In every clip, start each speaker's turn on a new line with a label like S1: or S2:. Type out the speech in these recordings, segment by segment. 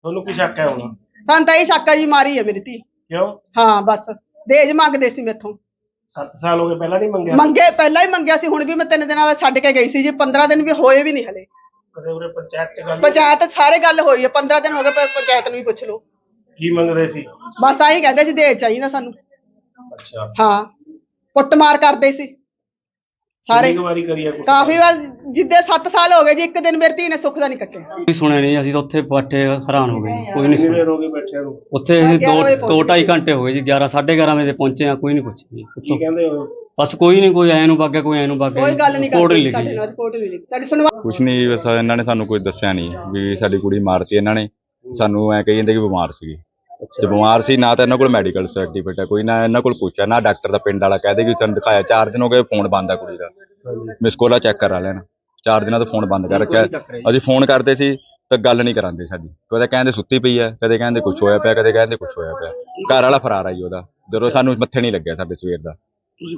S1: ਤੁਹਾਨੂੰ ਕੀ ਸ਼ੱਕ ਹੈ ਹੁਣ?
S2: ਸਾਨੂੰ ਤਾਂ ਇਹ ਸ਼ੱਕ ਆ ਜੀ ਮਾਰੀ ਹੈ ਮੇਰੀ ਧੀ।
S1: ਕਿਉਂ?
S2: ਹਾਂ ਬਸ ਦਹੇਜ ਮੰਗਦੇ ਸੀ ਮੈਥੋਂ।
S1: 7 ਸਾਲ ਹੋ ਗਏ, ਪਹਿਲਾਂ ਨਹੀਂ ਮੰਗਿਆ?
S2: ਮੰਗੇ ਪਹਿਲਾਂ ਹੀ ਮੰਗਿਆ ਸੀ, ਹੁਣ ਵੀ ਮੈਂ 3 ਦਿਨਾਂ ਬਾਅਦ ਛੱਡ ਕੇ ਗਈ ਸੀ ਜੀ। 15 ਦਿਨ ਵੀ ਹੋਏ ਵੀ ਨਹੀਂ ਹਲੇ।
S1: ਕਦੇ ਉਰੇ ਪੰਚਾਇਤ ਚ ਗੱਲ?
S2: ਪੰਚਾਇਤ ਸਾਰੇ ਗੱਲ ਹੋਈ ਹੈ, 15 ਦਿਨ ਹੋ ਗਏ, ਪੰਚਾਇਤ ਨੂੰ ਵੀ ਪੁੱਛ ਲਓ।
S1: ਕੀ ਮੰਗਦੇ ਸੀ?
S2: ਬਸ ਆਹੀ ਕਹਿੰਦੇ ਸੀ ਦਹੇਜ ਚਾਹੀਦਾ ਸਾਨੂੰ।
S1: ਅੱਛਾ,
S2: ਹਾਂ ਕੁੱਟਮਾਰ ਕਰਦੇ ਸੀ ਸਾਰੇ।
S1: ਕਿੰਨੀ ਕੁ ਵਾਰੀ ਕਰੀ ਆ ਕੁੱਟਮਾਰ?
S2: ਕਾਫੀ ਵਾਰ, ਜਿੱਦੇ 7 ਸਾਲ ਹੋ ਗਏ ਜੀ, ਇੱਕ ਦਿਨ ਮੇਰੀ ਧੀ ਨੇ ਸੁੱਖ ਦਾ ਨਹੀਂ ਕੱਟਿਆ।
S3: ਕੋਈ ਸੁਣਿਆ ਨਹੀਂ, ਅਸੀਂ ਤਾਂ ਉੱਥੇ ਬੈਠੇ ਹੈਰਾਨ ਹੋ ਗਏ ਜੀ, ਕੋਈ ਨਹੀਂ
S1: ਕਿੰਨੀ
S3: ਸੁਣਿਆ।
S1: ਦੇਰ ਹੋ ਗਈ ਬੈਠਿਆਂ ਨੂੰ?
S3: ਉੱਥੇ ਅਸੀਂ
S2: 11
S3: 2-2.5 ਘੰਟੇ ਹੋ ਗਏ ਜੀ, 11 11:30 ਵਜੇ ਪਹੁੰਚੇ ਆ, ਕੋਈ ਨਹੀਂ ਪੁੱਛਿਆ ਜੀ।
S1: ਕੀ ਕਹਿੰਦੇ ਹੋ?
S3: ਬਸ ਕੋਈ ਨਹੀਂ, ਕੋਈ ਐ ਨੂੰ ਵਗ ਗਿਆ, ਕੋਈ ਐ ਨੂੰ ਵਗ ਗਿਆ,
S2: ਕੋਈ ਗੱਲ ਨਹੀਂ
S3: ਰਿਪੋਰਟ ਨਹੀਂ
S2: ਕਰਦੇ ਸਾਡੇ
S3: ਲਿਖੀ।
S2: ਨਾਲ, ਰਿਪੋਰਟ ਨਹੀਂ ਲਿਖੀ ਸਾਡੀ ਸੁਣਵਾ।
S4: ਕੁਛ ਨਹੀਂ, ਬਸ ਇਹਨਾਂ ਨੇ ਸਾਨੂੰ ਕੋਈ ਦੱਸਿਆ ਨਹੀਂ ਵੀ ਸਾਡੀ ਕੁੜੀ ਮਾਰਤੀ ਇਹਨਾਂ ਨੇ। ਸਾਨੂੰ ਐ ਕਹੀ ਜਾਂਦੇ ਕਿ ਬਿਮਾਰ ਸੀਗੀ, ਤੇ ਬਿਮਾਰ ਸੀ ਨਾ ਤਾਂ ਇਹਨਾਂ ਕੋਲ ਮੈਡੀਕਲ ਸਰਟੀਫਿਕੇਟ ਹੈ ਕੋਈ, ਨਾ ਇਹਨਾਂ ਕੋਲ ਪੁੱਛਿਆ, ਨਾ ਡਾਕਟਰ ਦਾ ਪਿੰਡ ਵਾਲਾ ਕਹਦੇ ਕਿ ਤੁਹਾਨੂੰ ਦਿਖਾਇਆ। 4 ਦਿਨ ਹੋ ਗਏ, ਫੋਨ ਬੰਦ ਆ ਕੁੜੀ ਦਾ। ਮਿਸ ਕੋਲਾ ਚੈੱਕ ਕਰਾ ਲੈਣਾ, 4 ਦਿਨਾਂ ਤੋਂ ਫੋਨ ਬੰਦ ਕਰ ਰੱਖਿਆ। ਅਸੀਂ ਫੋਨ ਕਰਦੇ ਸੀ ਤਾਂ ਗੱਲ ਨਹੀਂ ਕਰਾਂਦੇ ਸਾਡੀ, ਕਦੇ ਕਹਿੰਦੇ ਸੁੱਤੀ ਪਈ ਹੈ, ਕਦੇ ਕਹਿੰਦੇ ਕੁਛ ਹੋਇਆ ਪਿਆ, ਕਦੇ ਕਹਿੰਦੇ ਕੁਛ ਹੋਇਆ ਪਿਆ। ਘਰ ਵਾਲਾ ਫਰਾਰ ਆ ਜੀ ਉਹਦਾ, ਜਦੋਂ ਸਾਨੂੰ ਮੱਥੇ ਨਹੀਂ ਲੱਗਿਆ ਸਾਡੇ ਸਵੇਰ ਦਾ।
S1: ਤੁਸੀਂ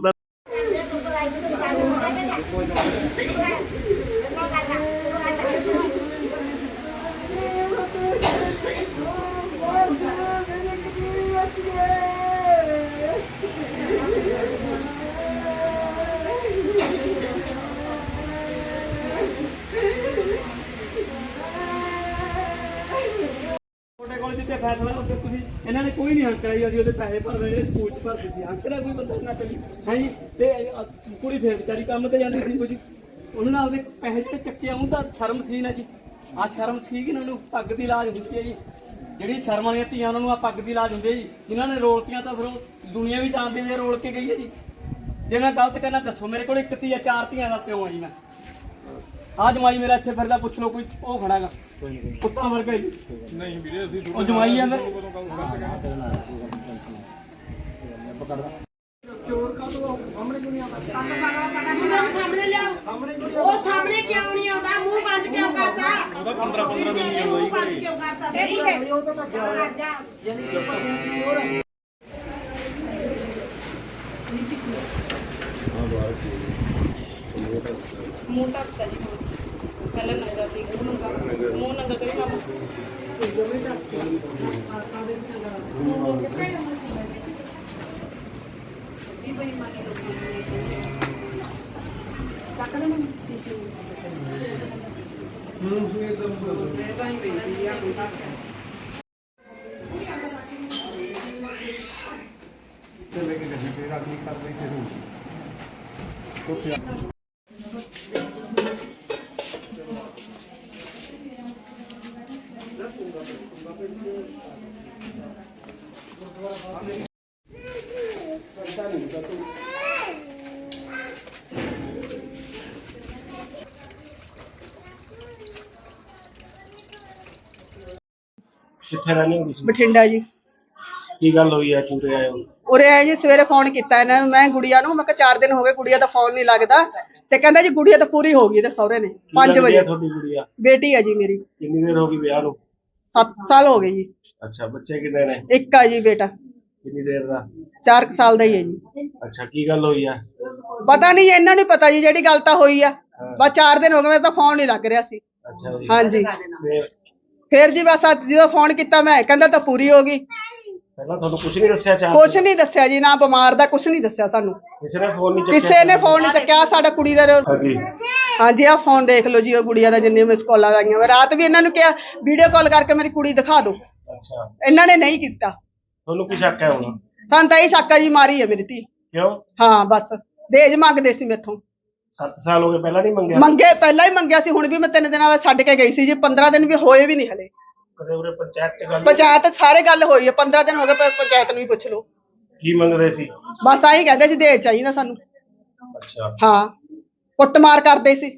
S5: ਤੁਹਾਡੇ ਕੋਲ ਜਿੱਤੇ ਫੈਸਲਾ ਉੱਤੇ ਤੁਸੀਂ ਇਹਨਾਂ ਨੇ ਕੋਈ ਨਹੀਂ ਹੱਕ ਕਰਾਈ। ਅਸੀਂ ਉਹਦੇ ਪੈਸੇ ਭਰ ਰਹੇ ਨੇ, ਸਕੂਲ 'ਚ ਭਰਦੇ ਸੀ। ਹੱਕ ਦਾ ਕੋਈ ਬੰਦਾ ਨਾ ਕਰੀ ਹੈ ਜੀ। ਤੇ ਕੁੜੀ ਫੇਰ ਵਿਚਾਰੀ ਕੰਮ ਤੇ ਜਾਂਦੀ ਸੀ ਕੁਝ, ਉਹਨਾਂ ਨੇ ਆਪਦੇ ਪੈਸੇ ਜਿਹੜੇ ਚੱਕੇ ਆਉਂ ਤਾਂ ਸ਼ਰਮ ਸੀ ਨਾ ਜੀ। ਆਹ ਸ਼ਰਮ ਸੀ ਕਿ ਉਹਨਾਂ ਨੂੰ ਪੱਗ ਦੀ ਲਾਜ ਹੁੰਦੀ ਹੈ ਜੀ। ਜਿਹੜੀ ਸ਼ਰਮ ਵਾਲੀਆਂ ਧੀਆਂ ਉਹਨਾਂ ਨੂੰ ਆ ਪੱਗ ਦੀ ਲਾਜ ਹੁੰਦੀ ਹੈ ਜੀ। ਜਿਨ੍ਹਾਂ ਨੇ ਰੋਲਤੀਆਂ ਤਾਂ ਫਿਰ ਉਹ ਦੁਨੀਆ ਵੀ ਜਾਣਦੀ ਵੀ ਰੋਲ ਕੇ ਗਈ ਹੈ ਜੀ। ਜੇ ਮੈਂ ਗਲਤ ਕਰਨਾ ਦੱਸੋ, ਮੇਰੇ ਕੋਲ 1 ਧੀ ਆ, 4 ਧੀਆਂ ਦਾ ਪਿਓ ਆ ਜੀ ਮੈਂ। ਆ ਜਮਾਈ ਮੇਰਾ ਇੱਥੇ ਫਿਰਦਾ, ਪੁੱਛ ਲਓ ਕੋਈ, ਉਹ ਖੜਾਗਾ ਕੁੱਤਾ ਵਰਗਾ ਜੀ। ਨਹੀਂ ਵੀਰੇ, ਅਸੀਂ ਉਹ ਜਮਾਈ ਆ ਮੇਰੇ। ਚੋਰ ਕਾ ਤੋਂ ਸਾਹਮਣੇ ਕਿਉਂ ਨਹੀਂ ਆਉਂਦਾ?
S6: ਸਾਹਮਣੇ ਲਿਆਓ। ਉਹ ਸਾਹਮਣੇ ਕਿਉਂ ਨਹੀਂ ਆਉਂਦਾ? ਮੂੰਹ ਬੰਦ ਕਿਉਂ ਕਰਦਾ? ਉਹਦਾ 15 ਦਿਨ ਨਹੀਂ ਆਉਂਦਾ। ਮੂੰਹ ਬੰਦ ਕਿਉਂ ਕਰਦਾ? ਨਹੀਂ ਉਹ ਤਾਂ ਮਰ ਜਾ। ਯਾਨੀ ਕਿ ਪਤਾ ਕੀ ਹੋ ਰਿਹਾ?
S7: ਮੂੰਹ ਢੱਕਦਾ ਜੀ, ਪਹਿਲਾਂ ਨੰਗਾ ਸੀ, ਮੂੰਹ ਨੰਗਾ ਕਰੀ ਮਾਮਾ।
S1: ਕਿੱਥੇ ਰਹਿੰਦੇ ਹੋ ਤੁਸੀਂ?
S2: ਬਠਿੰਡਾ ਜੀ।
S1: ਕੀ ਗੱਲ ਹੋਈ ਹੈ, ਚੂਰੇ ਆਏ ਹੋ?
S2: ਉਰੇ ਆਏ ਜੀ, ਸਵੇਰੇ ਫੋਨ ਕੀਤਾ ਇਹਨਾਂ ਨੂੰ ਮੈਂ ਗੁੜੀਆ ਨੂੰ। ਮੈਂ ਕਿਹਾ 4 ਦਿਨ ਹੋ ਗਏ, ਗੁੜੀਆ ਦਾ ਫੋਨ ਨਹੀਂ ਲੱਗਦਾ। ਤੇ ਕਹਿੰਦਾ ਜੀ ਗੁੜੀਆ ਤਾਂ ਪੂਰੀ ਹੋ ਗਈ ਤੇ ਸਹੁਰੇ ਨੇ 5 ਵਜੇ।
S1: ਤੁਹਾਡੀ ਗੁੜੀਆ
S2: ਬੇਟੀ ਹੈ ਜੀ ਮੇਰੀ।
S1: ਕਿੰਨੀ ਦੇਰ ਹੋ ਗਈ ਵਿਆਹ ਨੂੰ?
S2: 7 ਸਾਲ ਹੋ ਗਏ ਜੀ।
S1: ਅੱਛਾ, ਬੱਚੇ ਕਿੰਨੇ ਨੇ?
S2: ਇੱਕ ਆ ਜੀ ਬੇਟਾ,
S1: ਕਿੰਨੀ ਦੇਰ ਦਾ?
S2: 4 ਸਾਲ ਦਾ ਹੀ ਹੈ ਜੀ।
S1: ਅੱਛਾ, ਕੀ ਗੱਲ ਹੋਈ ਆ?
S2: ਪਤਾ ਨਹੀਂ, ਇਹਨਾਂ ਨੂੰ ਪਤਾ ਜੀ ਜਿਹੜੀ ਗੱਲ ਤਾਂ ਹੋਈ ਆ। ਬਸ 4 ਦਿਨ ਹੋ ਗਏ, ਮੇਰਾ ਤਾਂ ਫੋਨ ਨਹੀਂ ਲੱਗ ਰਿਹਾ ਸੀ।
S1: ਅੱਛਾ ਜੀ।
S2: ਹਾਂਜੀ,
S1: ਫਿਰ
S2: ਫਿਰ ਜੀ ਬਸ ਜਦੋਂ ਫੋਨ ਕੀਤਾ ਮੈਂ, ਕਹਿੰਦਾ ਤਾਂ ਪੂਰੀ ਹੋ ਗਈ।
S1: ਪਹਿਲਾਂ ਤੁਹਾਨੂੰ ਕੁਝ ਨਹੀਂ ਦੱਸਿਆ?
S2: ਕੁਛ ਨਹੀਂ ਦੱਸਿਆ ਜੀ, ਨਾ ਬਿਮਾਰ ਦਾ ਕੁਛ ਨਹੀਂ ਦੱਸਿਆ ਸਾਨੂੰ।
S1: ਕਿਸੇ ਨੇ ਫੋਨ ਨਹੀਂ ਚੱਕਿਆ?
S2: ਕਿਸੇ ਨੇ ਫੋਨ ਨਹੀਂ ਚੱਕਿਆ। ਸਾਡਾ ਕੁੜੀ ਦਾ
S1: ਹਾਂਜੀ।
S2: ਹਾਂਜੀ, ਆਹ ਫੋਨ ਦੇਖ ਲਓ ਜੀ, ਉਹ ਗੁੜੀਆ ਦਾ ਜਿੰਨੇ ਮਿਸ ਕਾਲਾਂ ਆਈਆਂ। ਮੈਂ ਰਾਤ ਵੀ ਇਹਨਾਂ ਨੂੰ ਕਿਹਾ ਵੀਡੀਓ ਕਾਲ ਕਰਕੇ ਮੇਰੀ ਕੁੜੀ ਦਿਖਾ ਦਿਓ,
S1: ਅੱਛਾ,
S2: ਇਹਨਾਂ ਨੇ ਨਹੀਂ ਕੀਤਾ।
S1: ਤੁਹਾਨੂੰ ਕੀ ਸ਼ੱਕ ਹੈ ਹੁਣ?
S2: ਸਾਨੂੰ ਤਾਂ ਇਹ ਸ਼ੱਕ ਆ ਜੀ ਮਾਰੀ ਹੈ ਮੇਰੀ ਧੀ।
S1: ਕਿਉਂ?
S2: ਹਾਂ ਬਸ ਦਹੇਜ ਮੰਗਦੇ ਸੀ ਮੈਥੋਂ।
S1: 7 ਸਾਲ ਹੋ ਗਏ, ਪਹਿਲਾਂ ਨਹੀਂ ਮੰਗਿਆ?
S2: ਮੰਗੇ ਪਹਿਲਾਂ ਹੀ ਮੰਗਿਆ ਸੀ, ਹੁਣ ਵੀ ਮੈਂ 3 ਦਿਨਾਂ ਬਾਅਦ ਛੱਡ ਕੇ ਗਈ ਸੀ ਜੀ। 15 ਦਿਨ ਵੀ ਹੋਏ ਵੀ ਨਹੀਂ ਹਲੇ।
S1: ਕਦੇ ਉਰੇ ਪੰਚਾਇਤ ਚ ਗੱਲ?
S2: ਪੰਚਾਇਤ ਸਾਰੇ ਗੱਲ ਹੋਈ ਹੈ, 15 ਦਿਨ ਹੋ ਗਏ, ਪੰਚਾਇਤ ਨੂੰ ਵੀ ਪੁੱਛ ਲਓ।
S1: ਕੀ ਮੰਗਦੇ ਸੀ?
S2: ਬਸ ਆਹੀ ਕਹਿੰਦੇ ਸੀ ਦਹੇਜ ਚਾਹੀਦਾ ਸਾਨੂੰ।
S1: ਅੱਛਾ,
S2: ਹਾਂ ਕੁੱਟਮਾਰ ਕਰਦੇ ਸੀ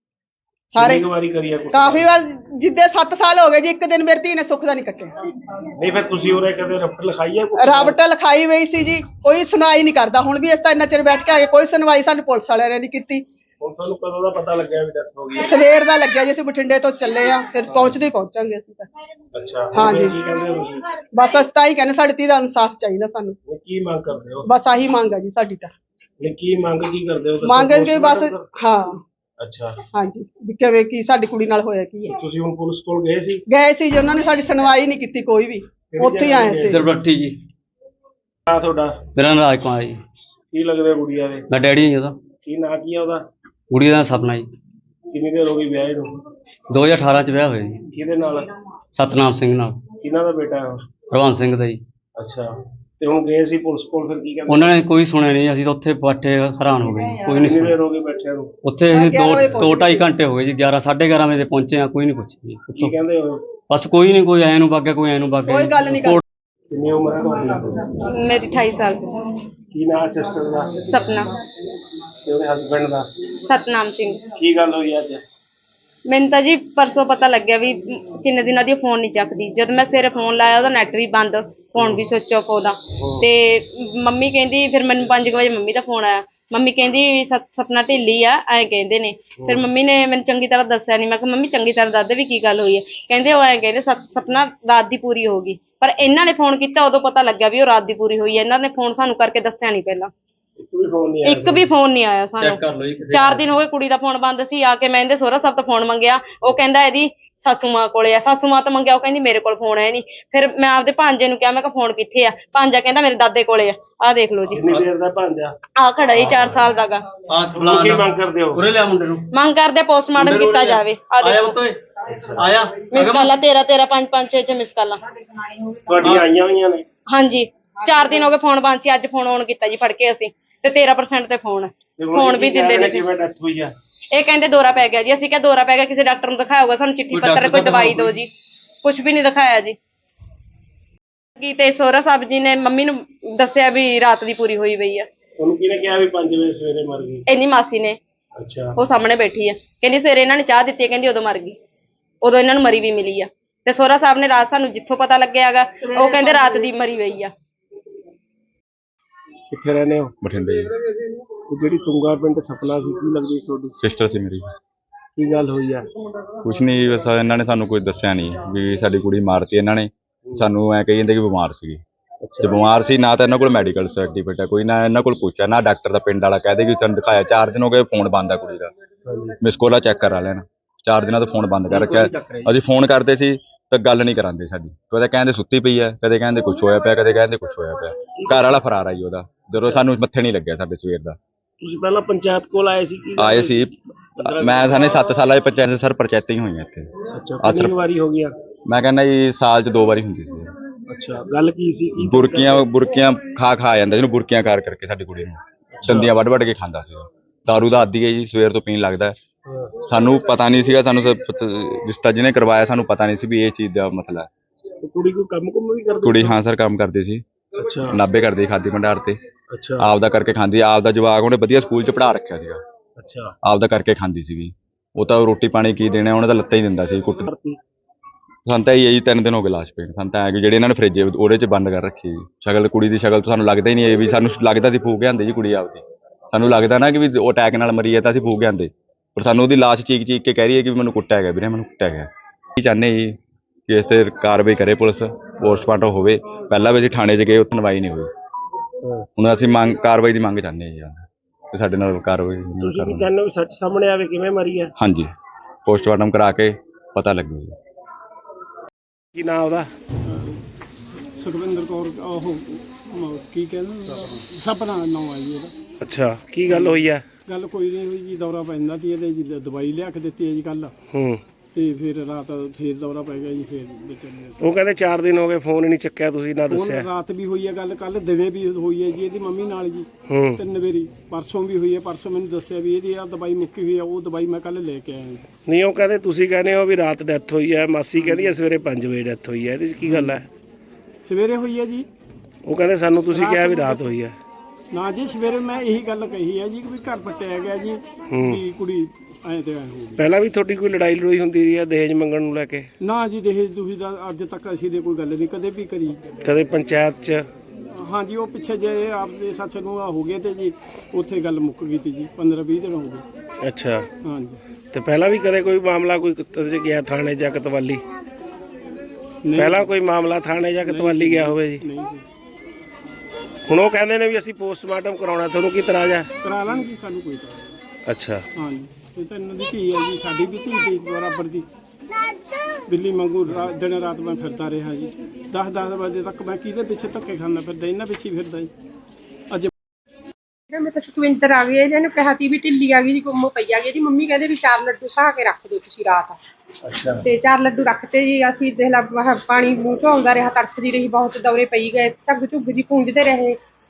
S2: ਸਾਰੇ।
S1: ਕਿੰਨੀ ਕੁ ਵਾਰੀ ਕਰੀ ਆ ਕੁੱਟਮਾਰ?
S2: ਕਾਫੀ ਵਾਰ, ਜਿੱਦੇ 7 ਸਾਲ ਹੋ ਗਏ ਜੀ, ਇੱਕ ਦਿਨ ਮੇਰੀ ਧੀ ਨੇ ਸੁੱਖ ਦਾ ਨਹੀਂ ਕੱਟਿਆ।
S1: ਨਹੀਂ ਫਿਰ ਤੁਸੀਂ ਉਰੇ ਕਦੇ ਰਫਟ ਲਿਖਾਈ ਹੈ?
S2: ਰਾਬਟ ਲਿਖਾਈ ਹੋਈ ਸੀ ਜੀ, ਕੋਈ ਸੁਣਵਾਈ ਨਹੀਂ ਕਰਦਾ। ਹੁਣ ਵੀ ਇਸ ਤਾਂ ਇੰਨਾ ਚਿਰ ਬੈਠ ਕੇ ਆ ਗਏ, ਕੋਈ ਸੁਣਵਾਈ ਸਾਨੂੰ ਪੁਲਿਸ ਵਾਲਿਆਂ ਨੇ ਨਹੀਂ ਕੀਤੀ।
S1: ਹੁਣ ਤੁਹਾਨੂੰ ਕਦੋਂ ਦਾ ਪਤਾ ਲੱਗਿਆ ਵੀ ਡੈਥ ਹੋ ਗਈ?
S2: ਸਵੇਰ ਦਾ ਲੱਗਿਆ ਜੀ, ਅਸੀਂ ਬਠਿੰਡੇ ਤੋਂ ਚੱਲੇ ਆ, ਫਿਰ ਪਹੁੰਚਦੇ ਹੀ ਪਹੁੰਚਾਂਗੇ ਅਸੀਂ ਤਾਂ।
S1: ਅੱਛਾ,
S2: ਹਾਂਜੀ।
S1: ਕੀ ਕਹਿੰਦੇ ਹੋ ਤੁਸੀਂ?
S2: ਬਸ ਅਸੀਂ ਤਾਂ ਹੀ ਕਹਿੰਦੇ ਸਾਡੀ ਧੀ ਦਾ ਇਨਸਾਫ ਚਾਹੀਦਾ ਸਾਨੂੰ।
S1: ਇਹ ਕੀ ਮੰਗ ਕਰਦੇ ਹੋ?
S2: ਬਸ ਆਹੀ ਮੰਗ ਆ ਜੀ ਸਾਡੀ ਤਾਂ।
S1: ਇਹ ਕੀ ਮੰਗ ਕੀ ਕਰਦੇ ਹੋ? ਦੱਸੋ।
S2: ਮੰਗ ਹੈ ਕਿ ਬਸ, ਹਾਂ
S1: ਅੱਛਾ
S2: ਹਾਂਜੀ ਵੀ ਕਿਵੇਂ ਕੀ ਸਾਡੀ ਕੁੜੀ ਨਾਲ ਹੋਇਆ ਕੀ ਹੈ।
S1: ਤੁਸੀਂ ਹੁਣ ਪੁਲਿਸ ਕੋਲ ਗਏ ਸੀ?
S2: ਗਏ ਸੀ ਜੀ, ਉਹਨਾਂ ਨੇ ਸਾਡੀ ਸੁਣਵਾਈ ਨਹੀਂ ਕੀਤੀ ਕੋਈ ਵੀ, ਉੱਥੇ ਹੀ ਆਏ ਸੀ।
S3: ਦਰਬੱਟੀ ਜੀ।
S1: ਨਾਂ ਤੁਹਾਡਾ?
S3: ਮੇਰਾ ਨਾਮ ਰਾਜ ਕੁਮਾਰ ਜੀ।
S1: ਕੀ ਲੱਗਦਾ ਗੁੜੀਆ ਦੇ?
S3: ਮੈਂ ਡੈਡੀ ਜੀ ਉਹਦਾ।
S1: ਕੀ ਨਾਂ ਕੀ ਆ ਉਹਦਾ?
S3: ਕੁੜੀ ਦਾ ਸਪਨਾ ਜੀ।
S1: ਕਿੰਨੀ ਦੇਰ ਹੋ ਗਈ ਵਿਆਹ ਨੂੰ?
S3: 2018 ਚ ਵਿਆਹ ਹੋਇਆ ਜੀ
S1: ਕਿਹਦੇ ਨਾਲ?
S3: ਸਤਨਾਮ ਸਿੰਘ ਨਾਲ।
S1: ਕਿਹਨਾਂ ਦਾ ਬੇਟਾ ਹੈ ਉਹ?
S3: ਪ੍ਰਵਾਨ ਸਿੰਘ ਦਾ ਜੀ।
S1: ਅੱਛਾ, ਤੇ ਹੁਣ ਗਏ ਸੀ ਪੁਲਿਸ ਕੋਲ, ਫਿਰ ਕੀ ਕਹਿੰਦੇ?
S3: ਉਹਨਾਂ ਨੇ ਕੋਈ ਸੁਣਿਆ ਨਹੀਂ, ਅਸੀਂ ਤਾਂ ਉੱਥੇ ਬੈਠੇ ਹੈਰਾਨ ਹੋ ਗਏ ਜੀ, ਕੋਈ ਨਹੀਂ
S1: ਕਿੰਨੀ
S3: ਸੁਣਿਆ।
S1: ਦੇਰ ਹੋ ਗਈ ਬੈਠਿਆਂ ਨੂੰ?
S3: ਉੱਥੇ ਅਸੀਂ 2-2.5 ਘੰਟੇ ਹੋ ਗਏ ਜੀ, 11-11:30 ਵਜੇ ਪਹੁੰਚੇ ਆ, ਕੋਈ ਨਹੀਂ ਪੁੱਛਿਆ
S1: ਕੀ
S3: ਜੀ।
S1: ਕਹਿੰਦੇ ਹੋ?
S3: ਬਸ ਕੋਈ ਨਹੀਂ, ਕੋਈ ਐਂ ਨੂੰ ਵਗ ਗਿਆ, ਕੋਈ ਐਂ ਨੂੰ ਵਗ ਗਿਆ।
S2: ਕੋਈ ਗੱਲ ਨਹੀਂ ਕਰਦਾ।
S1: ਕਿੰਨੀ ਉਮਰ ਹੈ ਤੁਹਾਡੀ?
S7: ਮੇਰੀ 28 ਸਾਲ
S1: ਕੀ ਨਾਂ ਸਿਸਟਰ ਦਾ
S7: ਸਪਨਾ
S1: ਤੇ ਉਹਦੇ ਹਸਬੰਡ ਦਾ?
S7: ਸਤਨਾਮ ਸਿੰਘ।
S1: ਕੀ ਗੱਲ ਹੋਈ ਅੱਜ?
S7: ਮੈਨੂੰ ਤਾਂ ਜੀ ਪਰਸੋਂ ਪਤਾ ਲੱਗਿਆ ਵੀ ਕਿੰਨੇ ਦਿਨਾਂ ਦੀ ਫੋਨ ਨਹੀਂ ਚੱਕਦੀ। ਜਦ ਮੈਂ ਸਵੇਰੇ ਫੋਨ ਲਾਇਆ ਉਹਦਾ ਨੈਟ ਵੀ ਬੰਦ, ਫੋਨ ਵੀ ਸੁੱਚ ਆਫ ਉਹਦਾ। ਤੇ ਮੰਮੀ ਕਹਿੰਦੀ, ਫਿਰ ਮੈਨੂੰ 5 ਵਜੇ ਮੰਮੀ ਦਾ ਫੋਨ ਆਇਆ। ਮੰਮੀ ਕਹਿੰਦੀ ਵੀ ਸਪਨਾ ਢਿੱਲੀ ਆ, ਐਂ ਕਹਿੰਦੇ ਨੇ। ਫਿਰ ਮੰਮੀ ਨੇ ਮੈਨੂੰ ਚੰਗੀ ਤਰ੍ਹਾਂ ਦੱਸਿਆ ਨਹੀਂ। ਮੈਂ ਕਿਹਾ ਮੰਮੀ ਚੰਗੀ ਤਰ੍ਹਾਂ ਦੱਸ ਦੇ ਵੀ ਕੀ ਗੱਲ ਹੋਈ ਹੈ। ਕਹਿੰਦੇ ਉਹ ਐਂ ਕਹਿੰਦੇ ਸਪਨਾ ਰਾਤ ਦੀ ਪੂਰੀ ਹੋ ਗਈ। ਪਰ ਇਹਨਾਂ ਨੇ ਫੋਨ ਕੀਤਾ, ਉਦੋਂ ਪਤਾ ਲੱਗਿਆ ਵੀ ਉਹ ਰਾਤ ਦੀ ਪੂਰੀ ਹੋਈ ਹੈ। ਇਹਨਾਂ ਨੇ ਫੋਨ ਸਾਨੂੰ ਕਰਕੇ ਦੱਸਿਆ ਨਹੀਂ ਪਹਿਲਾਂ। ਇੱਕ ਵੀ ਫੋਨ ਨਹੀਂ ਆਇਆ ਸਾਨੂੰ। 4 ਦਿਨ ਹੋ ਗਏ, ਕੁੜੀ ਦਾ ਫੋਨ ਬੰਦ ਸੀ। ਆ ਕੇ ਮੈਂ ਇਹਦੇ ਸਹੁਰਾ ਸਾਹਿਬ ਤੋਂ ਫੋਨ ਮੰਗਿਆ, ਉਹ ਕਹਿੰਦਾ ਇਹਦੀ ਸਾਸੂ ਮਾਂ ਕੋਲੇ ਆ। ਸਾਸੂ ਮਾਂ ਤੋਂ ਮੰਗਿਆ, ਉਹ ਕਹਿੰਦੀ ਮੇਰੇ ਕੋਲ ਫੋਨ ਹੈ ਨਹੀਂ। ਫਿਰ ਮੈਂ ਆਪਦੇ ਭਾਂਜੇ ਨੂੰ ਕਿਹਾ, ਮੈਂ ਕਿਹਾ ਫੋਨ ਕਿੱਥੇ ਆ? ਭਾਂਜਾ ਕਹਿੰਦਾ ਮੇਰੇ ਦਾਦੇ ਕੋਲੇ ਆ। ਆਹ ਦੇਖ ਲਓ ਜੀ,
S1: ਕਿੰਨੀ ਦੇਰ ਦਾ ਭਾਂਜਾ?
S7: ਆਹ ਖੜਾ ਹੀ 4 ਸਾਲ ਦਾ ਗਾ।
S1: ਕੀ ਮੰਗ ਕਰਦੇ ਹੋ?
S3: ਉਰੇ ਲਿਆ ਮੁੰਡੇ ਨੂੰ।
S7: ਮੰਗ ਕਰਦੇ ਪੋਸਟਮਾਰਟਮ ਕੀਤਾ ਜਾਵੇ। ਆਹ ਦੇਖੋ
S3: ਆਇਆ
S7: ਮਿਸ ਕਾਲਾਂ 13 5 5 6 ਮਿਸ ਕਾਲਾਂ
S1: ਤੁਹਾਡੀਆਂ ਆਈਆਂ ਹੋਈਆਂ ਨੇ?
S7: ਹਾਂਜੀ, 4 ਦਿਨ ਹੋ ਗਏ ਫੋਨ ਬੰਦ ਸੀ। ਅੱਜ ਫੋਨ ਔਨ ਕੀਤਾ ਜੀ ਫੜ ਕੇ ਅਸੀਂ, ਤੇ 13% ਤੇ ਫੋਨ ਵੀ ਦਿੰਦੇ ਨਹੀਂ ਸੀ।
S1: ਕਿਵੇਂ ਡੈਥ ਹੋਈ ਆ?
S7: ਇਹ ਕਹਿੰਦੇ ਦੌਰਾ ਪੈ ਗਿਆ ਜੀ। ਅਸੀਂ ਕਿਹਾ ਦੌਰਾ ਪੈ ਗਿਆ, ਕਿਸੇ ਡਾਕਟਰ ਨੂੰ ਦਿਖਾਇਆ ਹੋਊਗਾ, ਸਾਨੂੰ ਚਿੱਠੀ ਪੱਤਰ ਕੋਈ ਦਵਾਈ ਦਿਓ ਜੀ। ਕੁਝ ਵੀ ਨਹੀਂ ਦਿਖਾਇਆ ਜੀ। ਕੀ ਤੇ ਸੋਹਰਾ ਸਾਹਿਬ ਜੀ ਨੇ ਮੰਮੀ ਨੂੰ ਦੱਸਿਆ ਵੀ ਰਾਤ ਦੀ ਪੂਰੀ ਹੋਈ ਪਈ ਆ।
S1: ਤੁਹਾਨੂੰ ਕਿਹਨੇ ਕਿਹਾ ਵੀ 5 ਵਜੇ ਸਵੇਰੇ ਮਰ ਗਈ?
S7: ਇੰਨੀ ਮਾਸੀ ਨੇ,
S1: ਅੱਛਾ,
S7: ਉਹ ਸਾਹਮਣੇ ਬੈਠੀ ਆ। ਕਹਿੰਦੀ ਸਵੇਰੇ ਇਹਨਾਂ ਨੇ ਚਾਹ ਦਿੱਤੀ ਹੈ, ਕਹਿੰਦੀ ਉਦੋਂ ਮਰ ਗਈ। ਉਦੋਂ ਇਹਨਾਂ ਨੂੰ ਮਰੀ ਵੀ ਮਿਲੀ ਆ। ਤੇ ਸੋਹਰਾ ਸਾਹਿਬ ਨੇ ਰਾਤ ਸਾਨੂੰ ਜਿੱਥੋਂ ਪਤਾ ਲੱਗਿਆ ਹੈਗਾ, ਉਹ ਕਹਿੰਦੇ ਰਾਤ ਦੀ ਮਰੀ ਹੋਈ ਆ।
S1: ਕਿੱਥੇ ਰਹਿੰਦੇ ਹੋ?
S4: ਬਠਿੰਡੇ ਜੀ।
S1: ਤੇ ਜਿਹੜੀ ਤੁੰਗਾ ਪਿੰਡ ਸਪਨਾ ਸੀ, ਕੀ ਲੱਗਦੀ ਤੁਹਾਡੀ?
S4: ਸਿਸਟਰ ਸੀ ਮੇਰੀ।
S1: ਕੀ ਗੱਲ ਹੋਈ ਆ?
S4: ਕੁਛ ਨਹੀਂ, ਬਸ ਇਹਨਾਂ ਨੇ ਸਾਨੂੰ ਕੋਈ ਦੱਸਿਆ ਨਹੀਂ ਵੀ ਸਾਡੀ ਕੁੜੀ ਮਾਰਤੀ ਇਹਨਾਂ ਨੇ। ਸਾਨੂੰ ਐ ਕਹੀ ਜਾਂਦੇ ਕਿ ਬਿਮਾਰ ਸੀਗੀ। ਜੇ ਬਿਮਾਰ ਸੀ, ਨਾ ਤਾਂ ਇਹਨਾਂ ਕੋਲ ਮੈਡੀਕਲ ਸਰਟੀਫਿਕੇਟ ਹੈ ਕੋਈ, ਨਾ ਇਹਨਾਂ ਕੋਲ ਪੁੱਛਿਆ, ਨਾ ਡਾਕਟਰ ਦਾ ਪਿੰਡ ਵਾਲਾ ਕਹਦੇ ਕਿ ਤੁਹਾਨੂੰ ਦਿਖਾਇਆ। 4 ਦਿਨ ਹੋ ਗਏ, ਫੋਨ ਬੰਦ ਆ ਕੁੜੀ ਦਾ। ਮਿਸ ਕੋਲਾ ਚੈੱਕ ਕਰਾ ਲੈਣਾ, 4 ਦਿਨਾਂ ਤੋਂ ਫੋਨ ਬੰਦ ਕਰ ਰੱਖਿਆ। ਅਸੀਂ ਫੋਨ ਕਰਦੇ ਸੀ ਤਾਂ ਗੱਲ ਨਹੀਂ ਕਰਾਂਦੇ ਸਾਡੀ। ਕਦੇ ਕਹਿੰਦੇ ਸੁੱਤੀ ਪਈ ਹੈ, ਕਦੇ ਕਹਿੰਦੇ ਕੁਛ ਹੋਇਆ ਪਿਆ, ਕਦੇ ਕਹਿੰਦੇ ਕੁਛ ਹੋਇਆ ਪਿਆ। ਘਰ ਵਾਲਾ ਫਰਾਰ ਆਈ ਉਹਦਾ, ਜਦੋਂ ਸਾਨੂੰ ਮੱਥੇ ਨਹੀਂ ਲੱਗਿਆ ਸਾਡੇ ਸਵੇਰ ਦਾ।
S1: ਤੁਸੀਂ ਪਹਿਲਾਂ ਪੰਚਾਇਤ ਕੋਲ ਆਏ ਸੀ?
S4: ਆਏ ਸੀ ਮੈਂ, ਸਾਨੇ 7 ਸਾਲਾਂ ਦੀ ਪੰਚਾਇਤ ਸਰ ਪੰਚਾਇਤਾਂ ਹੀ ਹੋਈਆਂ ਇੱਥੇ।
S1: ਅੱਛਾ, ਕਿੰਨੀ ਵਾਰੀ ਹੋ ਗਿਆ?
S4: ਮੈਂ ਕਹਿੰਦਾ ਜੀ ਸਾਲ 'ਚ 2 ਵਾਰੀ ਹੁੰਦੀ ਸੀ।
S1: ਅੱਛਾ, ਗੱਲ ਕੀ ਸੀ?
S4: ਬੁਰਕੀਆਂ ਖਾ ਜਾਂਦਾ ਜਿਹਨੂੰ, ਬੁਰਕੀਆਂ ਕਰਕੇ ਸਾਡੀ ਕੁੜੀ ਨੂੰ ਦੰਦੀਆਂ ਵੱਢ ਕੇ ਖਾਂਦਾ ਸੀ। ਦਾਰੂ ਦਾ ਆਦੀ ਹੈ ਜੀ, ਸਵੇਰ ਤੋਂ ਪੀਣ ਲੱਗਦਾ। ਸਾਨੂੰ ਪਤਾ ਨਹੀਂ ਸੀਗਾ, ਸਾਨੂੰ ਰਿਸ਼ਤਾ ਜਿਹਨੇ ਕਰਵਾਇਆ ਸਾਨੂੰ ਪਤਾ ਨਹੀਂ ਸੀ ਵੀ ਇਹ ਚੀਜ਼ ਦਾ ਮਸਲਾ ਹੈ।
S1: ਕੁੜੀ ਕੋਈ ਕੰਮ ਵੀ ਕਰਦੀ?
S4: ਕੁੜੀ ਹਾਂ ਸਰ ਕੰਮ ਕਰਦੀ ਸੀ।
S1: ਅੱਛਾ,
S4: ਨਾਭੇ ਕਰਦੀ, ਖਾਦੀ ਭੰਡਾਰ ਤੇ।
S1: ਅੱਛਾ,
S4: ਆਪਦਾ ਕਰਕੇ ਖਾਂਦੀ। ਆਪਦਾ ਜਵਾਕ ਉਹਨੇ ਵਧੀਆ ਸਕੂਲ 'ਚ ਪੜ੍ਹਾ ਰੱਖਿਆ ਸੀਗਾ।
S1: ਅੱਛਾ,
S4: ਆਪਦਾ ਕਰਕੇ ਖਾਂਦੀ ਸੀਗੀ। ਉਹ ਤਾਂ ਰੋਟੀ ਪਾਣੀ ਕੀ ਦੇਣਾ, ਉਹਨੇ ਤਾਂ ਲੱਤਾਂ ਹੀ ਦਿੰਦਾ ਸੀ ਕੁੱਟ। ਸਾਨੂੰ ਤਾਂ ਇਹ 3 ਦਿਨ ਹੋ ਗਏ ਲਾਸ਼ ਪੇਣ। ਸਾਨੂੰ ਤਾਂ ਐ ਕਿ ਜਿਹੜੇ ਇਹਨਾਂ ਨੇ ਫਰਿੱਜ ਉਹਦੇ 'ਚ ਬੰਦ ਕਰ ਰੱਖੀ ਜੀ। ਸ਼ਕਲ ਕੁੜੀ ਦੀ ਸ਼ਕਲ ਤੋਂ ਸਾਨੂੰ ਲੱਗਦਾ ਹੀ ਨਹੀਂ ਇਹ ਵੀ, ਸਾਨੂੰ ਲੱਗਦਾ ਸੀ ਫੂਕ ਆਂਦੇ ਜੀ ਕੁੜੀ ਆਪਦੀ। ਸਾਨੂੰ ਲੱਗਦਾ ਨਾ ਕਿ ਵੀ ਉਹ ਅਟੈਕ ਨਾਲ ਮਰੀ ਹੈ ਤਾਂ ਅਸੀਂ ਫੂਕ ਆਂਦੇ, ਪਰ ਸਾਨੂੰ ਉਹਦੀ ਲਾਸ਼ ਚੀਕ ਕੇ ਕਹਿ ਰਹੀ ਹੈ ਕਿ ਮੈਨੂੰ ਕੁੱਟਿਆ ਗਿਆ ਵੀਰੇ, ਮੈਨੂੰ ਕੁੱਟਿਆ ਗਿਆ। ਕੀ ਚਾਹੁੰਦੇ ਜੀ ਕਿ ਇਸ 'ਤੇ ਕਾਰਵਾਈ ਕਰੇ ਪੁਲਿਸ, ਪੋਸਟਮਾਰਟਮ ਹੋਵੇ। ਪਹਿਲਾਂ ਵੀ ਅਸੀਂ ਥਾਣੇ 'ਚ ਗਏ, ਉੱਥੇ ਸੁਣਵਾਈ ਨਹੀਂ ਹੋਈ। ਹੁਣ ਅਸੀਂ ਕਾਰਵਾਈ ਦੀ ਮੰਗ ਚਾਹੁੰਦੇ ਹਾਂ ਜੀ, ਤੇ ਸਾਡੇ ਨਾਲ ਕਾਰਵਾਈ
S1: ਤੁਸੀਂ ਕੀ ਚਾਹੁੰਦੇ ਹੋ? ਸੱਚ ਸਾਹਮਣੇ ਆਵੇ, ਕਿਵੇਂ ਮਰੀ ਹੈ?
S4: ਹਾਂਜੀ, ਪੋਸਟਮਾਰਟਮ ਕਰਾ ਕੇ ਪਤਾ ਲੱਗੇ ਜੀ।
S1: ਕੀ ਨਾਂ ਉਹਦਾ?
S5: ਸੁਖਵਿੰਦਰ ਕੌਰ। ਉਹ ਕੀ ਕਹਿੰਦੇ, ਸਪਨਾ ਨਾਮ ਆ ਜੀ ਉਹਦਾ।
S1: ਅੱਛਾ, ਕੀ ਗੱਲ ਹੋਈ ਆ?
S5: ਗੱਲ ਕੋਈ ਨਹੀਂ ਹੋਈ ਜੀ, ਦੌਰਾ ਪੈਂਦਾ ਸੀ ਇਹਦੇ ਜੀ, ਦਵਾਈ ਲਿਆ ਕੇ ਦਿੱਤੀ ਹੈ ਜੀ ਕੱਲ। ਤੇ ਫਿਰ ਰਾਤ ਫੇਰ ਦੌਰਾ ਪੈ ਗਿਆ ਜੀ। ਫਿਰ
S1: ਉਹ ਕਹਿੰਦੇ 4 ਦਿਨ ਹੋ ਗਏ, ਫੋਨ ਹੀ ਨਹੀਂ ਚੱਕਿਆ, ਤੁਸੀਂ ਨਾ ਦੱਸਿਆ।
S5: ਰਾਤ ਵੀ ਹੋਈ ਹੈ ਗੱਲ, ਕੱਲ ਦਿਨੇ ਵੀ ਹੋਈ ਹੈ ਜੀ ਇਹਦੀ ਮੰਮੀ ਨਾਲ ਜੀ। 3 ਵਾਰੀ, ਪਰਸੋਂ ਵੀ ਹੋਈ ਹੈ। ਪਰਸੋਂ ਮੈਨੂੰ ਦੱਸਿਆ ਵੀ ਇਹਦੀ ਆਹ ਦਵਾਈ ਮੁੱਕੀ ਹੋਈ ਹੈ, ਉਹ ਦਵਾਈ ਮੈਂ ਕੱਲ ਲੈ ਕੇ ਆਇਆ ਜੀ।
S1: ਨਹੀਂ, ਉਹ ਕਹਿੰਦੇ ਤੁਸੀਂ ਕਹਿੰਦੇ ਹੋ ਵੀ ਰਾਤ ਡੈਥ ਹੋਈ ਹੈ, ਮਾਸੀ ਕਹਿੰਦੀ ਹੈ ਸਵੇਰੇ 5 ਵਜੇ ਡੈਥ ਹੋਈ ਹੈ। ਇਹਦੇ 'ਚ ਕੀ ਗੱਲ ਹੈ?
S5: ਸਵੇਰੇ ਹੋਈ ਹੈ ਜੀ।
S1: ਉਹ ਕਹਿੰਦੇ ਸਾਨੂੰ ਤੁਸੀਂ ਕਿਹਾ ਵੀ ਰਾਤ ਹੋਈ ਹੈ।
S5: ਨਾ ਜੀ, ਸਵੇਰੇ ਮੈਂ ਇਹੀ ਗੱਲ ਕਹੀ ਹੈ ਜੀ ਕਿ ਵੀ ਘਰ ਪੱਟਿਆ ਗਿਆ ਜੀ, ਵੀ ਕੁੜੀ ਐਂ ਤੇ ਐਂ ਹੋ ਗਈ।
S1: ਪਹਿਲਾਂ ਵੀ ਤੁਹਾਡੀ ਕੋਈ ਲੜਾਈ ਲੜੋਈ ਹੁੰਦੀ ਰਹੀ ਹੈ ਦਹੇਜ ਮੰਗਣ ਨੂੰ ਲੈ ਕੇ?
S5: ਨਾ ਜੀ, ਦਹੇਜ ਤੁਸੀਂ ਤਾਂ ਅੱਜ ਤੱਕ ਅਸੀਂ ਨੇ ਕੋਈ ਗੱਲ ਨਹੀਂ ਕਦੇ ਵੀ ਕਰੀ।
S1: ਕਦੇ ਪੰਚਾਇਤ 'ਚ?
S5: ਹਾਂਜੀ, ਉਹ ਪਿੱਛੇ ਜੇ ਆਪਦੇ ਸੱਸ ਨੂੰ ਹੋ ਗਏ ਤੇ ਜੀ ਉੱਥੇ ਗੱਲ ਮੁੱਕ ਗਈ ਤੀ ਜੀ, 15-20 ਦਿਨ ਹੋ ਗਏ।
S1: ਅੱਛਾ,
S5: ਹਾਂਜੀ।
S1: ਤੇ ਪਹਿਲਾਂ ਵੀ ਕਦੇ ਕੋਈ ਮਾਮਲਾ ਕੋਈ 'ਚ ਗਿਆ ਥਾਣੇ ਜਾਂ ਕਤਵਾਲੀ? ਪਹਿਲਾਂ ਕੋਈ ਮਾਮਲਾ ਥਾਣੇ ਜਾਂ ਕਤਵਾਲੀ ਗਿਆ ਹੋਵੇ ਜੀ?
S5: ਨਹੀਂ ਜੀ।
S1: ਹੁਣ ਉਹ ਕਹਿੰਦੇ ਨੇ ਵੀ ਅਸੀਂ ਪੋਸਟਮਾਰਟਮ ਕਰਾਉਣਾ, ਤੁਹਾਨੂੰ ਕੀ ਇਤਰਾਜ਼ ਹੈ?
S5: ਕਰਾ ਲਾਂਗੇ ਜੀ, ਸਾਨੂੰ ਕੋਈ ਇਤਰਾਜ਼ ਨਹੀਂ।
S1: ਅੱਛਾ,
S5: ਹਾਂਜੀ।
S8: ਇਹ ਤਾਂ ਇਹਨਾਂ ਦੀ ਧੀ ਹੈ ਜੀ, ਸਾਡੀ ਵੀ ਧੀ ਸੀ ਬਰਾਬਰ ਦੀ। ਬਿੱਲੀ ਵਾਂਗੂ ਦਿਨ ਰਾਤ ਮੈਂ ਫਿਰਦਾ ਰਿਹਾ ਜੀ। 10 ਵਜੇ ਤੱਕ ਮੈਂ ਕਿਹਦੇ ਪਿੱਛੇ ਧੱਕੇ ਖਾਂਦਾ ਫਿਰਦਾ, ਇਹਨਾਂ ਪਿੱਛੇ ਹੀ ਫਿਰਦਾ ਜੀ। ਅੱਜ
S9: ਮੈਂ ਤਾਂ ਸੁਖਵਿੰਦਰ ਆ ਗਈ, ਇਹਨੂੰ ਕਿਹਾ ਸੀ ਵੀ ਢਿੱਲੀ ਆ ਗਈ ਜੀ, ਗੁੰਮ ਪਈ ਆ ਗਈ ਜੀ। ਮੰਮੀ ਕਹਿੰਦੇ ਵੀ 4 ਲੱਡੂ ਸਾਹ ਕੇ ਰੱਖ ਦਿਓ ਤੁਸੀਂ ਰਾਤ।
S1: ਅੱਛਾ।
S9: ਤੇ 4 ਲੱਡੂ ਰੱਖਤੇ ਜੀ। ਅਸੀਂ ਦੇਖ ਲਾ ਪਾਣੀ ਮੂੰਹ ਚੋਂ ਆਉਂਦਾ ਰਿਹਾ, ਤੜਫਦੀ ਰਹੀ, ਬਹੁਤ ਦੌਰੇ ਪਈ ਗਏ, ਝੱਗ ਝੁੱਗ ਜੀ ਪੂੰਝਦੇ ਰਹੇ।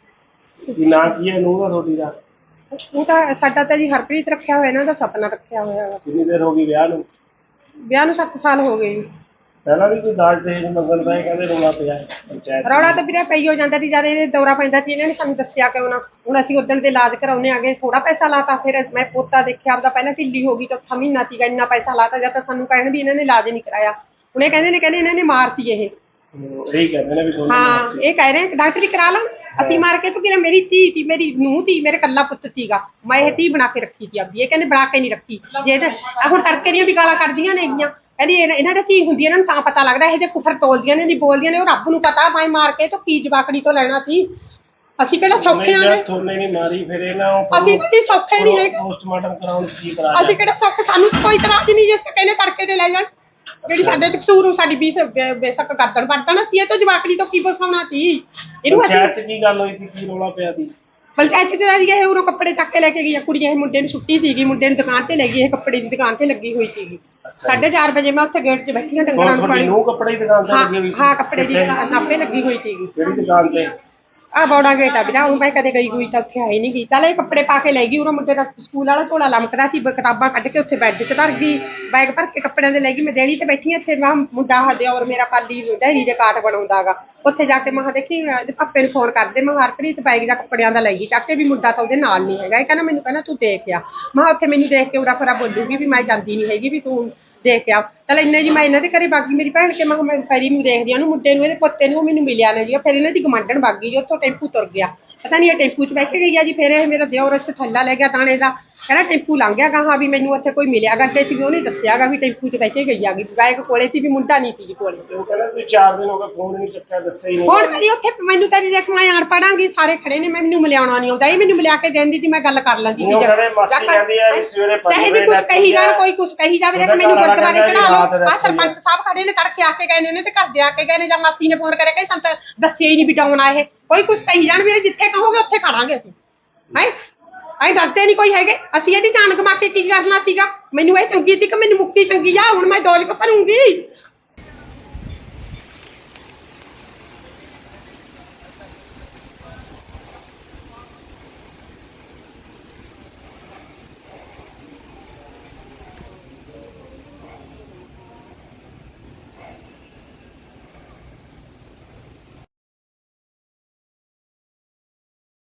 S1: ਕੀ ਨਾਂ ਕੀ ਹੈ ਨੂੰਹ ਦਾ ਤੁਹਾਡੀ ਦਾ?
S9: ਉਹ ਤਾਂ ਸਾਡਾ ਤਾਂ ਜੀ ਹਰਪ੍ਰੀਤ ਰੱਖਿਆ ਹੋਇਆ, ਇਹਨਾਂ ਦਾ ਸਪਨਾ ਰੱਖਿਆ ਹੋਇਆ ਵਾ।
S1: ਕਿੰਨੀ ਦੇਰ ਹੋ ਗਈ ਵਿਆਹ ਨੂੰ?
S9: ਵਿਆਹ ਨੂੰ 7 ਸਾਲ ਹੋ ਗਏ ਜੀ।
S1: ਪਹਿਲਾਂ ਵੀ ਕੋਈ ਦਾਜ ਦਹੇਜ ਮੰਗਣ ਦਾ ਕਹਿੰਦੇ ਰੌਲਾ ਪਿਆ ਪੰਚਾਇਤ?
S9: ਰੌਲਾ ਤਾਂ ਵੀਰੇ ਪਈ ਹੋ ਜਾਂਦਾ ਸੀ, ਜਦ ਇਹ ਦੌਰਾ ਪੈਂਦਾ ਸੀ ਇਹਨਾਂ ਨੇ ਸਾਨੂੰ ਦੱਸਿਆ ਕਿਉਂ ਨਾ। ਹੁਣ ਅਸੀਂ ਉਦਣ ਦੇ ਇਲਾਜ ਕਰਾਉਣੇ ਆ ਗਏ, ਥੋੜਾ ਪੈਸਾ ਲਾਤਾ। ਫਿਰ ਮੈਂ ਪੋਤਾ ਦੇਖਿਆ ਆਪਦਾ, ਪਹਿਲਾਂ ਢਿੱਲੀ ਹੋ ਗਈ, ਚੌਥਾ ਮਹੀਨਾ ਸੀਗਾ, ਇੰਨਾ ਪੈਸਾ ਲਾਤਾ। ਜਦ ਤਾਂ ਸਾਨੂੰ ਕਹਿਣ ਵੀ ਇਹਨਾਂ ਨੇ ਇਲਾਜ ਨਹੀਂ ਕਰਾਇਆ। ਹੁਣ ਇਹ ਕਹਿੰਦੇ ਇਹਨਾਂ ਨੇ ਮਾਰਤੀ ਇਹ।
S1: ਇਹੀ ਕਹਿੰਦੇ ਨੇ ਵੀ ਤੁਹਾਨੂੰ
S9: ਹਾਂ, ਇਹ ਕਹਿ ਰਹੇ ਡਾਕਟਰੀ ਕਰਾ ਲਾਂ। ਅਸੀਂ ਮਾਰ ਕੇ, ਤੂੰ ਕਿਹਾ ਮੇਰੀ ਧੀ ਤੀ, ਮੇਰੀ ਨੂੰਹ ਤੀ, ਮੇਰੇ ਕੱਲਾ ਪੁੱਤ ਸੀਗਾ, ਮੈਂ ਇਹ ਧੀ ਬਣਾ ਕੇ ਰੱਖੀ ਸੀ ਆਪਦੀ। ਇਹ ਕਹਿੰਦੇ ਬਣਾ ਕੇ ਨਹੀਂ ਰੱਖੀ। ਜੇ ਹੁਣ ਤੜਕੇ ਦੀਆਂ ਵੀ ਗਾਲਾਂ ਕੱਢਦੀਆਂ ਨੇ ਹੈਗੀਆਂ, ਕਹਿੰਦੀ ਇਹਨਾਂ ਦੀ ਧੀ ਹੁੰਦੀ, ਇਹਨਾਂ ਨੂੰ ਤਾਂ ਪਤਾ ਲੱਗਦਾ। ਇਹ ਜੇ ਕੁਫਰ ਤੋਲਦੀਆਂ ਨੇ, ਨਹੀਂ ਬੋਲਦੀਆਂ ਨੇ, ਉਹ ਰੱਬ ਨੂੰ ਪਤਾ। ਮੈਂ ਮਾਰ ਕੇ ਤਾਂ ਕੀ ਜਵਾਕੜੀ ਤੋਂ ਲੈਣਾ ਸੀ। ਅਸੀਂ ਕਿਹੜਾ ਸੌਖੇ ਆ?
S1: ਥੋਨੇ ਨਹੀਂ ਮਾਰੀ ਫਿਰ ਇਹਨਾਂ
S9: ਅਸੀਂ ਤਾਂ ਜੀ ਸੌਖੇ ਨਹੀਂ ਹੈਗੇ।
S1: ਪੋਸਟਮਾਰਟਮ ਕਰਾਉਣ ਕੀ ਕਰਾ?
S9: ਅਸੀਂ ਕਿਹੜਾ ਸੌਖੇ? ਸਾਨੂੰ ਕੋਈ ਇਤਰਾਜ਼ ਨਹੀਂ ਜਿਸ ਤੇ ਕਹਿੰਦੇ ਤੜਕੇ ਤੇ ਲੈ ਜਾਣ। ਜਿਹੜੀ ਸਾਡੇ ਚ ਕਸੂਰ, ਸਾਡੀ ਬੇਸ਼ੱਕ ਗਰਦਨ ਵੱਢਣਾ ਸੀ, ਇਹ ਤੋਂ ਜਵਾਕੜੀ ਤੋਂ ਕੀ ਬਸਾਉਣਾ ਸੀ ਇਹਨੂੰ।
S1: ਪੰਚਾਇਤ ਚ ਕੀ ਗੱਲ ਹੋਈ ਸੀ, ਕੀ ਰੌਲਾ ਪਿਆ ਸੀ?
S9: ਪੰਚਾਇਤ ਚ ਇਹ ਉਰੋਂ ਕੱਪੜੇ ਚੱਕ ਕੇ ਲੈ ਕੇ ਗਈ ਆ ਕੁੜੀ। ਇਹ ਮੁੰਡੇ ਨੂੰ ਛੁੱਟੀ ਸੀਗੀ, ਮੁੰਡੇ ਨੂੰ ਦੁਕਾਨ ਤੇ ਲੈ ਗਈ। ਇਹ ਕੱਪੜੇ ਦੀ ਦੁਕਾਨ ਤੇ ਲੱਗੀ ਹੋਈ ਸੀਗੀ। 4:30 ਵਜੇ ਮੈਂ ਉੱਥੇ ਗੇਟ 'ਚ ਬੈਠੀ ਹਾਂ, ਡੰਗਰਾਂ ਨੂੰ ਪਾਣੀ।
S1: ਨੂੰ ਕੱਪੜੇ ਦੀ ਦੁਕਾਨ ਤੇ ਲੱਗੀ ਹੋਈ ਸੀ?
S9: ਹਾਂ, ਕੱਪੜੇ ਦੀ ਦੁਕਾਨ ਆਪੇ ਲੱਗੀ ਹੋਈ ਸੀਗੀ।
S1: ਕਿਹੜੀ ਦੁਕਾਨ ਤੇ?
S9: ਆ ਬੌੜਾ ਗੇਟ ਆ ਵੀਰਾ, ਉਹ ਮੈਂ ਕਦੇ ਗਈ ਹੋਈ ਤਾਂ ਉੱਥੇ ਆਈ ਨਹੀਂ ਗਈ। ਚੱਲ ਇਹ ਕੱਪੜੇ ਪਾ ਕੇ ਲੈ ਗਈ। ਉਰੋਂ ਮੁੰਡੇ ਦਾ ਸਕੂਲ ਵਾਲਾ ਝੋਲਾ ਲਮਕਦਾ ਸੀ, ਕਿਤਾਬਾਂ ਕੱਢ ਕੇ ਉੱਥੇ ਬੈੱਡ 'ਚ ਧਰ ਗਈ। ਬੈਗ ਭਰ ਕੇ ਕੱਪੜਿਆਂ ਦੇ ਲੈ ਗਈ। ਮੈਂ ਦੇਣੀ ਤੇ ਬੈਠੀ ਹਾਂ ਇੱਥੇ। ਮੈਂ ਮੁੰਡਾ ਹਦੇ ਔਰ ਮੇਰਾ ਪਾਲੀ ਡੈਰੀ ਦੇ ਕਾਟ ਬਣਾਉਂਦਾ ਗਾ। ਉੱਥੇ ਜਾ ਕੇ ਮੈਂ ਦੇਖੀ, ਪਾਪੇ ਨੂੰ ਫੋਨ ਕਰਦੇ, ਮੈਂ ਹਰਪ੍ਰੀਤ ਬੈਗ ਦਾ ਕੱਪੜਿਆਂ ਦਾ ਲੈ ਗਈ ਚੱਕ ਕੇ, ਵੀ ਮੁੰਡਾ ਤਾਂ ਉਹਦੇ ਨਾਲ ਨਹੀਂ ਹੈਗਾ। ਇਹ ਕਹਿੰਦਾ ਮੈਨੂੰ ਕਹਿੰਦਾ ਤੂੰ ਦੇਖ ਆ। ਮੈਂ ਉੱਥੇ ਮੈਨੂੰ ਦੇਖ ਕੇ ਉਰਾ ਫਰਾ ਬੋਲੂਗੀ ਵੀ ਮੈਂ ਜਾਂਦੀ ਨਹੀਂ ਹੈਗੀ, ਵੀ ਤੂੰ ਦੇਖ ਆ। ਚੱਲ ਇੰਨੇ ਜੀ ਮੈਂ ਇਹਨਾਂ ਦੇ ਘਰੇ ਬਾਗੀ, ਮੇਰੀ ਭੈਣ ਕੇ ਮੈਂ ਫੈਰੀ ਨੂੰ ਦੇਖਦੀ ਉਹਨੂੰ, ਮੁੰਡੇ ਨੂੰ, ਇਹਦੇ ਪੁੱਤੇ ਨੂੰ। ਮੈਨੂੰ ਮਿਲਿਆ ਨਾ ਜੀ। ਫਿਰ ਇਹਨਾਂ ਦੀ ਗਮਾਂਡਣ ਬਾਗੀ ਜੀ, ਉੱਥੋਂ ਟੈਂਪੂ ਤੁਰ ਗਿਆ। ਪਤਾ ਨਹੀਂ ਇਹ ਟੈਂਪੂ 'ਚ ਬੈਠ ਕੇ ਗਈ ਆ ਜੀ। ਫਿਰ ਇਹ ਮੇਰਾ ਦਿਓਰ ਇੱਥੇ ਥੱਲਾ ਲੈ ਗਿਆ ਦਾਣੇ ਦਾ, ਕਹਿੰਦਾ ਟੈਂਪੂ ਲੰਘ ਗਿਆ ਗਾਹਾਂ, ਵੀ ਮੈਨੂੰ ਉੱਥੇ ਕੋਈ ਮਿਲਿਆ ਗੱਡੇ 'ਚ, ਵੀ ਉਹਨੇ ਦੱਸਿਆਗਾ ਵੀ ਟੈਂਪੂ 'ਚ ਬੈਠ ਕੇ ਗਈ ਆਗੀ। ਬੈਗ ਕੋਲੇ ਸੀ, ਵੀ ਮੁੰਡਾ ਨਹੀਂ ਸੀ ਜੀ ਕੋਲੇ।
S1: ਉਹ ਕਹਿੰਦਾ ਤੁਸੀਂ 4 ਦਿਨ ਹੋ ਗਏ ਫੋਨ ਨਹੀਂ ਚੱਕਿਆ, ਦੱਸਿਆ ਹੀ ਨਹੀਂ।
S9: ਹੁਣ ਕਦੀ ਉੱਥੇ ਮੈਨੂੰ ਤਾਂ ਦੇਖ ਮੈਂ ਆਣ ਪੜਾਂਗੀ, ਸਾਰੇ ਖੜੇ ਨੇ, ਮੈਨੂੰ ਮਿਲਿਆਉਣਾ ਨਹੀਂ ਆਉਂਦਾ। ਇਹ ਮੈਨੂੰ ਮਿਲਿਆ ਕੇ ਦਿੰਦੀ ਸੀ, ਮੈਂ ਗੱਲ ਕਰ ਲੈਂਦੀ ਸੀ।
S1: ਮਾਸੀ ਕਹਿੰਦੀ ਆ ਵੀ ਸਵੇਰੇ 5 ਵਜੇ
S9: ਕੁਝ ਕਹੀ ਜਾਣ, ਕੋਈ ਕੁਝ ਕਹੀ ਜਾਵੇ। ਦੇਖ ਮੈਨੂੰ ਗੁਰਦੁਆਰੇ ਚੜਾ ਲਓ। ਆ ਸਰਪੰਚ ਸਾਹਿਬ ਖੜੇ ਨੇ, ਤੜਕੇ ਆ ਕੇ ਗਏ ਨੇ ਤੇ ਘਰ ਦੇ ਆ ਕੇ ਗਏ ਨੇ, ਜਾਂ ਮਾਸੀ ਨੇ ਫੋਨ ਕਰਿਆ ਕਿ ਸਾਨੂੰ ਦੱਸਿਆ ਹੀ ਨਹੀਂ ਵੀ ਡਾਉਣਾ ਇਹ। ਕੋਈ ਕੁਝ ਕਹੀ ਜਾਣ, ਵੀ ਜਿੱਥੇ ਕਹੋਗੇ ਉੱਥੇ ਖੜਾਂਗੇ ਅਸੀਂ। ਹੈ ਅਸੀਂ ਡਰਦੇ ਨਹੀਂ ਕੋਈ ਹੈਗੇ। ਅਸੀਂ ਇਹਦੀ ਜਾਨ ਗਵਾ ਕੇ ਕੀ ਕਰਨਾ ਸੀਗਾ? ਮੈਨੂੰ ਇਹ ਚੰਗੀ ਸੀ ਕਿ ਮੈਨੂੰ ਮੁਕਤੀ ਚੰਗੀ ਆ। ਹੁਣ ਮੈਂ ਦੌਲਤ ਭਰੂੰਗੀ।